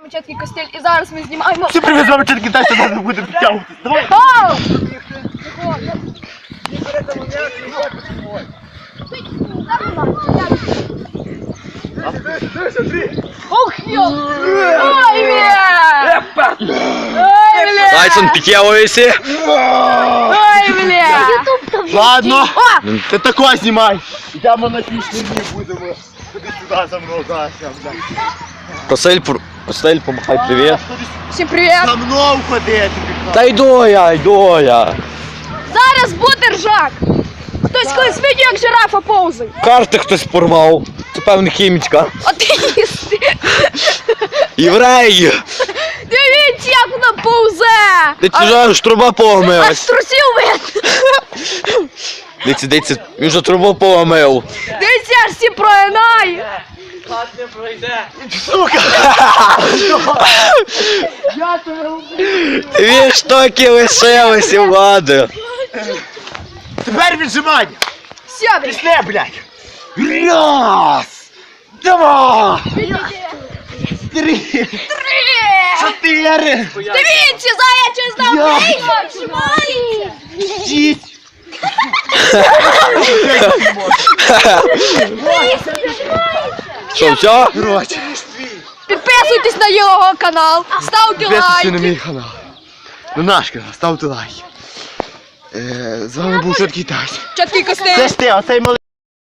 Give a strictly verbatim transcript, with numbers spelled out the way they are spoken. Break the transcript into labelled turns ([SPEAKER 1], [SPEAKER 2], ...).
[SPEAKER 1] Чіткий костель, і зараз ми знімаємо.
[SPEAKER 2] Всім привіт, з вами Чіткий Тесть, і зараз ми будемо підтягуватись. Давай!
[SPEAKER 1] Оу! Ох, йо! Ой, бля! Ой, бля!
[SPEAKER 3] Тайсон, підтягуйся.
[SPEAKER 1] Ой, бля!
[SPEAKER 2] Ладно,
[SPEAKER 1] О!
[SPEAKER 2] ти такое знімай. Йдемо на пішні дні, будемо. Ходи сюди за мною, зараз, бля.
[SPEAKER 3] Косель, Косель, помахай привіт.
[SPEAKER 1] Всім привіт!
[SPEAKER 2] За мною ходи,
[SPEAKER 3] Та йду я, йду я.
[SPEAKER 1] Зараз буде ржак! Хтось колись видів, як жирафа повзає.
[SPEAKER 3] Карти хтось порвав. Це певна хімічка.
[SPEAKER 1] Атеїсти!
[SPEAKER 3] Євреї!
[SPEAKER 1] Дивіться, як вона повзе!
[SPEAKER 3] Ти чужа ж труба
[SPEAKER 1] Аж
[SPEAKER 3] помилась.
[SPEAKER 1] трусів видно!
[SPEAKER 3] Дивіться, дивіться, він же трубу помив.
[SPEAKER 1] Дивіться, аж всі прогинає!
[SPEAKER 2] сука! Я тебе
[SPEAKER 3] Дві штуки лишилися, влади.
[SPEAKER 2] Тепер віджимання.
[SPEAKER 1] Все, блядь!
[SPEAKER 2] Після, блядь. Раз, два, три, чотири,
[SPEAKER 1] Дивіться, заячий знав
[SPEAKER 2] Я-
[SPEAKER 1] вийшов!
[SPEAKER 2] шість.
[SPEAKER 3] Що, все?
[SPEAKER 2] Короче,
[SPEAKER 1] Підписуйтесь на його канал, ставте
[SPEAKER 2] підписуйся на
[SPEAKER 1] лайки.
[SPEAKER 2] мій канал. На наш канал, ставте лайки. Е, З вами був Чіткий Тесть.
[SPEAKER 1] Чіткий костель.
[SPEAKER 2] Це ж ти, оцей малий.